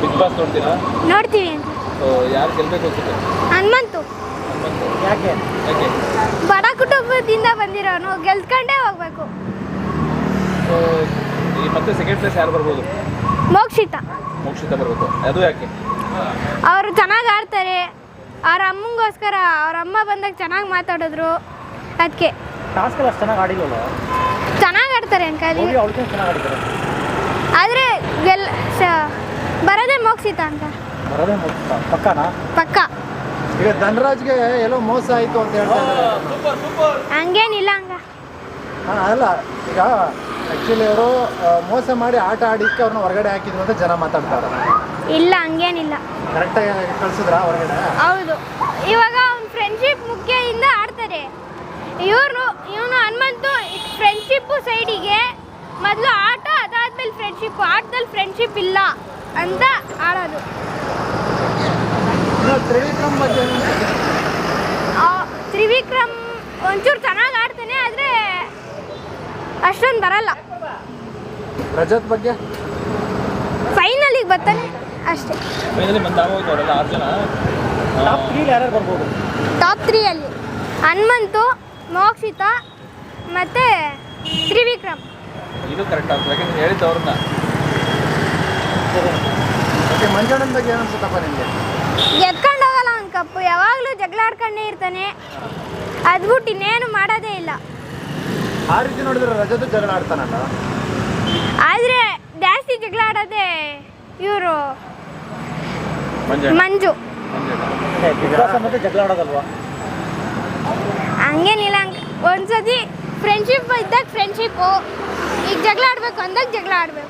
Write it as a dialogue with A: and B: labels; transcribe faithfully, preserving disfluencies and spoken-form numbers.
A: Big boss ನೋಡ್ತೀರಾ?
B: ನೋಡ್ತೀವಿ ಅಂತ.
A: ಸೊ ಯಾರು ಗೆಲ್ಬೇಕು ಅನ್ಸುತ್ತೆ?
B: ಹನುಮಂತು
A: ಹನುಮಂತು.
C: ಯಾಕೆ
A: ಯಾಕೆ?
B: ಬಡ ಕುಟುಂಬದಿಂದ ಬಂದಿರೋನು, ಗೆಲ್ತ್ಕೊಂಡೇ ಹೋಗ್ಬೇಕು.
A: ಸೊ ಈ ಮತ್ತೆ ಸೆಕೆಂಡ್ ಪ್ಲೇಸ್ ಯಾರು ಬರ್ಬೋದು?
B: ಮೋಕ್ಷಿತ
A: ಮೋಕ್ಷಿತ ಬರಬೇಕು. ಅದು ಯಾಕೆ?
B: ಅವರು ಚೆನ್ನಾಗಿ ಆಡ್ತಾರೆ. ಅವ್ರ ಅಮ್ಮಂಗೋಸ್ಕರ ಅವ್ರ ಅಮ್ಮ ಬಂದಾಗ ಚೆನ್ನಾಗಿ ಮಾತಾಡಿದ್ರು, ಅದಕ್ಕೆ.
C: ಟಾಸ್ಕ್ ಎಲ್ಲ ಅಷ್ಟು ಚೆನ್ನಾಗಿ ಆಡಿಲ್ವಲ್ಲ,
B: ಚೆನ್ನಾಗಿ ಆಡ್ತಾರೆ ಅನ್ಕಲಿ.
C: ಅವಳಿಗೆ ಚೆನ್ನಾಗಿ ಆಡಿದ್ದಾರೆ.
B: ಆದರೆ ಗೆಲ್ ಶ- ಬರೋದೇ ಮೋಕ್ಷಿತ ಅಂತ.
C: ಬರೋದೇ ಮುಗಿಸ್ತಾ ಪಕ್ಕನಾ?
B: ಪಕ್ಕ.
D: ಈಗ ಧನರಾಜ್ಗೆ ಎಲ್ಲೋ ಮೋಸ ಆಯಿತು ಅಂತ ಹೇಳ್ತಾ ಇದ್ದಾರೆ.
B: ಹಂಗೇನಿಲ್ಲ ಹಂಗ.
D: ಹಾಂ ಅಲ್ಲ, ಈಗ ಆ್ಯಕ್ಚುಲಿ ಅವರು ಮೋಸ ಮಾಡಿ ಆಟ ಆಡಿಕ್ಕೆ ಅವ್ರನ್ನ ಹೊರಗಡೆ ಹಾಕಿದ್ರು ಅಂತ ಜನ ಮಾತಾಡ್ತಾರೆ.
B: ಇಲ್ಲ ಹಂಗೇನಿಲ್ಲ.
D: ಕರೆಕ್ಟಾಗಿ ಕಳ್ಸಿದ್ರ ಹೊರಗಡೆ?
B: ಹೌದು. ಇವಾಗ ಅವ್ನ ಫ್ರೆಂಡ್ಶಿಪ್ ಮುಖ್ಯದಿಂದ ಆಡ್ತಾರೆ. ಇವ್ರು ಇವನು ಹನುಮಂತು ಫ್ರೆಂಡ್ಶಿಪ್ಪು ಸೈಡಿಗೆ, ಮೊದಲು ಆಟ, ಅದಾದ್ಮೇಲೆ ಫ್ರೆಂಡ್ಶಿಪ್ಪು. ಆಟದಲ್ಲಿ ಫ್ರೆಂಡ್ಶಿಪ್ ಇಲ್ಲ ಅಂತ ಆಡೋದು.
D: ಇನ್ನು ತ್ರಿವಿಕ್ರಮ್ ಬಗ್ಗೆ ಏನು ಅನ್ಸುತ್ತೆ?
B: ಆ, ತ್ರಿವಿಕ್ರಮ್ ಒಂಚೂರು ಚೆನ್ನಾಗಿ ಆಡ್ತಾನೆ, ಆದರೆ ಅಷ್ಟೊಂದು ಬರಲ್ಲ.
D: ರಜತ್ ಬಗ್ಗೆ?
B: ಫೈನಲಿಗೆ ಬರ್ತಾನೆ ಅಷ್ಟೇ.
A: ಫೈನಲಿ ಬಂದು ಆಗೋಯ್ತು ಅವರೆಲ್ಲ ಆರು ಜನ.
C: ಟಾಪ್ ತ್ರೀಲಿ ಯಾರ್ಯಾರು ಬರ್ಬೋದು?
B: ಟಾಪ್ ತ್ರೀಯಲ್ಲಿ ಹನುಮಂತು, ಮೋಕ್ಷಿತ ಮತ್ತು ತ್ರಿವಿಕ್ರಮ್.
A: ಇದು ಕರೆಕ್ಟ್ ಆಗ್ತದೆ, ಯಾಕಂದ್ರೆ ಹೇಳಿದ್ದು ಅವ್ರನ್ನ.
D: ಓಕೆ, ಮಂಜಣ್ಣನ ಬಗ್ಗೆ ಏನು ಅನ್ಸುತ್ತಪ್ಪ ನಿಮಗೆ?
B: ಎತ್ಕೊಂಡು ಹೋಗಲ್ಲ ಅವ್ನ ಕಪ್ಪು, ಯಾವಾಗಲೂ ಜಗಳ ಆಡ್ಕೊಂಡೇ ಇರ್ತಾನೆ. ಅದ್ಬಿಟ್ಟು ಇನ್ನೇನು ಮಾಡೋದೇ ಇಲ್ಲ.
D: ಆ ರೀತಿ ನೋಡಿದ್ರೆ ರಜತ್ ಜಗಳ ಆಡ್ತಾನಲ್ಲ.
B: ಆದರೆ ಜಾಸ್ತಿ ಜಗಳ ಆಡೋದೇ ಇವರು
A: ಮಂಜಣ್ಣ.
B: ಮಂಜು.
A: ಮಂಜಣ್ಣ.
C: ಬಿಗ್ ಬಾಸ್ ಮತ್ತೆ ಜಗಳ ಆಡೋದಲ್ವಾ?
B: ಹಂಗೇನಿಲ್ಲ. ಹಂಗೆ ಒಂದ್ಸತಿ ಫ್ರೆಂಡ್ಶಿಪ್ ಇದ್ದಾಗ ಫ್ರೆಂಡ್ಶಿಪ್ಪು, ಈಗ ಜಗಳ ಆಡಬೇಕು ಅಂದಾಗ ಜಗಳ ಆಡಬೇಕು.